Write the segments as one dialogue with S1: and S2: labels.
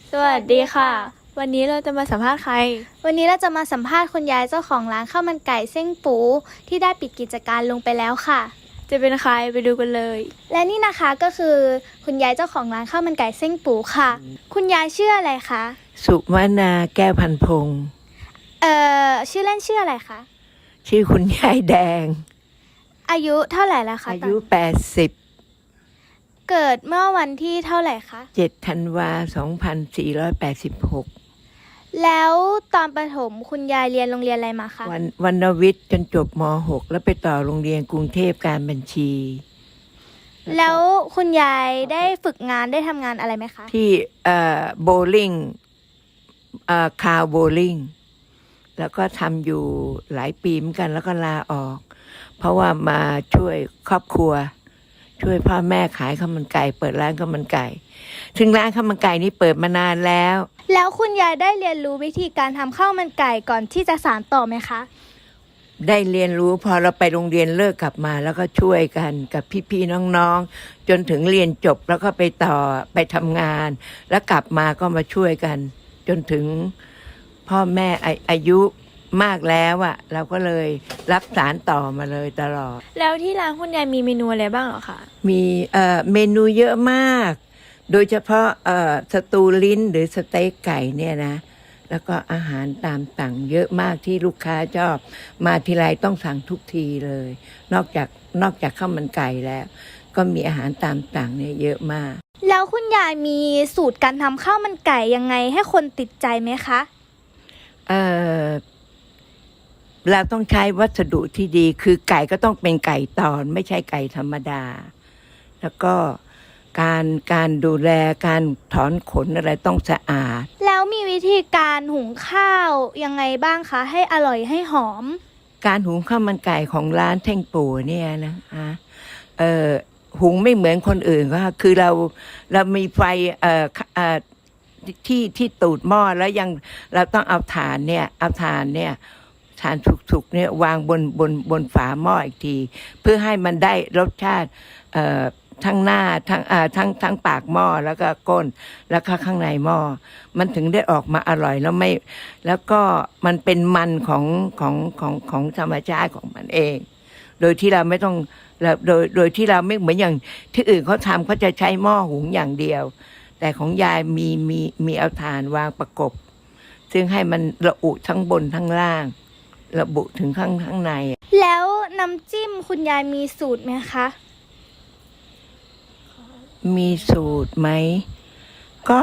S1: สวัสดีค่ะ วันนี้เราจะมาสัมภาษณ์ใคร
S2: วันนี้เราจะมาสัมภาษณ์คุณยายเจ้าของร้านข้าวมันไก่เส้งปูที่ได้ปิดกิจการลงไปแล้วค่ะ
S1: จะเป็นใครไปดูกันเลย
S2: และนี่นะคะก็คือคุณยายเจ้าของร้านข้าวมันไก่เส้งปูค่ะ คุณยายชื่ออะไรคะ
S3: สุวรรณาแก้วพันพงศ์
S2: ชื่อเล่นชื่ออะไรคะ
S3: ชื่อคุณยายแดง
S2: อายุเท่าไหร่แล้วคะ
S3: อายุ
S2: เกิดเมื่อวันที่เท่าไหร่คะ
S3: 87 ธันวา 2486
S2: แล้วตอนประถมคุณยายเรียนโรงเรียนอะไรมาคะ
S3: วรรณวิทย์จนจบม .6 แล้วไปต่อโรงเรียนกรุงเทพการบัญชี
S2: แล้วคุณยายได้ฝึกงานได้ทำงานอะไรไหมคะ
S3: ที่โบลิ่งคาร์โบลิ่งแล้วก็ทำอยู่หลายปีเหมือนกันแล้วก็ลาออก เพราะว่ามาช่วยครอบครัว ช่วยพ่อแม่ขายข้าวมันไก่เปิดร้านข้าวมันไก่ถึงร้านข้าวมันไก่นี้เปิดมานานแล้ว
S2: แล้วคุณยายได้เรียนรู้วิธีการทำข้าวมันไก่ก่อนที่จะสานต่อไหมคะ
S3: ได้เรียนรู้พอเราไปโรงเรียนเลิกกลับมาแล้วก็ช่วยกันกับพี่ๆน้องๆจนถึงเรียนจบแล้วก็ไปต่อไปทำงาน แล้วกลับมาก็มาช่วยกัน จนถึงพ่อแม่อายุมากแล้วอะเราก็เลยรับสารต่อมาเลยตลอด
S1: แล้วที่ร้านคุณยายมีเมนูอะไรบ้างเหรอคะ
S3: มีเมนูเยอะมาก โดยเฉพาะสตูลิ้นหรือสเต็กไก่เนี่ยนะ แล้วก็อาหารตามสั่งเยอะมากที่ลูกค้าชอบ มาทีไรต้องสั่งทุกทีเลย นอกจากข้าวมันไก่แล้ว ก็มีอาหารตามสั่งเนี่ยเยอะมาก
S2: แล้วคุณยายมีสูตรการทำข้าวมันไก่ยังไงให้คนติดใจไหมคะ
S3: เอ่อเราต้องใช้วัสดุที่ดี คือไก่ก็ต้องเป็นไก่ตอนไม่ใช่ไก่ธรรมดา แล้วก็การดูแลการถอนขนอะไรต้องสะอาด
S2: แล้วมีวิธีการหุงข้าวยังไงบ้างคะให้อร่อยให้หอม
S3: การหุงข้าวมันไก่ของร้านเท่งปู่เนี่ยนะหุงไม่เหมือนคนอื่นก็คือเรามีไฟที่ตูดหม้อแล้วยังเราต้องเอาถ่านสุกๆเนี่ยวางบนฝาหม้ออีกที เพื่อให้มันได้รสชาติทั้งหน้าทั้งปากหม้อแล้วก็ก้นแล้วก็ข้างในหม้อมันถึงได้ออกมาอร่อยแล้วก็มันเป็นมันของธรรมชาติของมันเอง โดยที่เราไม่ต้องโดยที่เราไม่เหมือนอย่างที่อื่นเขาทำเขาจะใช้หม้อหุงอย่างเดียว แต่ของยายมีเอาถ่านวางประกบ ซึ่งให้มันระอุทั้งบนทั้งล่าง ระบุถึงข้างใน
S2: แล้วน้ำจิ้มคุณยายมีสูตรไหมคะ
S3: มีสูตรไหม ก็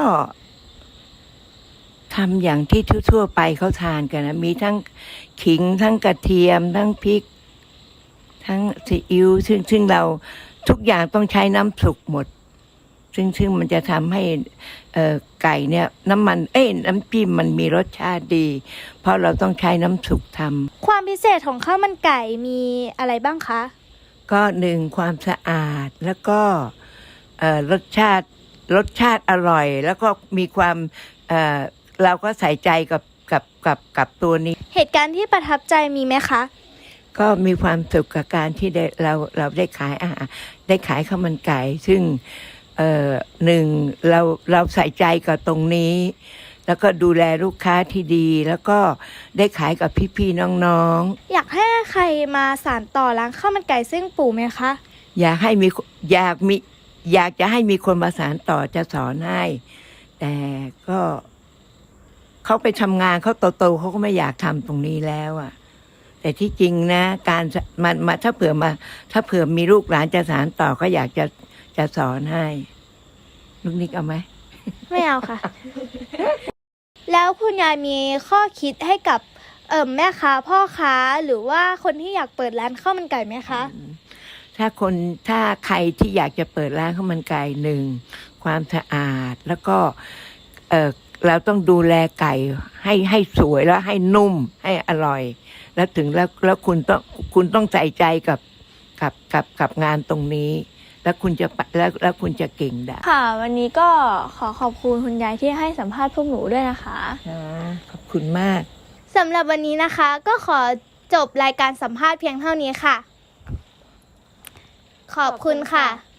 S3: ทำอย่างที่ทั่วๆไปเขาทานกันนะมีทั้งขิงทั้งกระเทียม ทั้งพริก ทั้งซีอิ๊วซึ่งเราทุกอย่างต้องใช้น้ำสุกหมด ซึ่งมันจะทำให้ไก่เนี่ยน้ำจิ้มมันมีรสชาติดี เพราะเราต้องใช้น้ำสุกทำ
S2: ความพิเศษของข้าวมันไก่มีอะไรบ้างคะ
S3: ก็หนึ่งความสะอาดแล้วก็รสชาติอร่อย แล้วก็มีความเราก็ใส่ใจกับตัวนี้
S2: เหตุการณ์ที่ประทับใจมีไหมคะ
S3: ก็มีความสุขกับการที่เราได้ขายอาหารได้ขายข้าวมันไก่ ซึ่งหนึ่งเราใส่ใจกับตรงนี้ แล้วก็ดูแลลูกค้าที่ดี แล้วก็ได้ขายกับพี่ๆน้องๆ
S2: อยากให้ใครมาสานต่อร้านข้าวมันไก่เส้งปู่ไหมคะ
S3: อยากจะให้มีคนมาสานต่อจะสอนให้ แต่ก็เขาไปทำงานเขาโตๆเขาก็ไม่อยากทำตรงนี้แล้วอ่ะ แต่ที่จริงนะการมาถ้าเผื่อมีลูกหลานจะสานต่อก็อยากจะสอนให้ ลูกนิกเอาไหม
S2: ไม่เอาค่ะ แล้วคุณยายมีข้อคิดให้กับแม่ค้าพ่อค้าหรือว่าคนที่อยากเปิดร้านข้าวมันไก่ไหมคะ
S3: ถ้าใครที่อยากจะเปิดร้านข้าวมันไก่หนึ่งความสะอาด แล้วก็เราต้องดูแลไก่ให้สวยแล้วให้นุ่มให้อร่อย แล้วถึงแล้วคุณต้องใส่ใจกับงานตรงนี้ แล้วคุณจะเก่งได้
S1: ค่ะ วันนี้ก็ขอบคุณคุณยายที่ให้สัมภาษณ์พวกหนูด้วยนะคะ
S3: ขอบคุณมาก
S2: สำหรับวันนี้นะคะ ก็ขอจบรายการสัมภาษณ์เพียงเท่านี้ค่ะ ขอบคุณค่ะ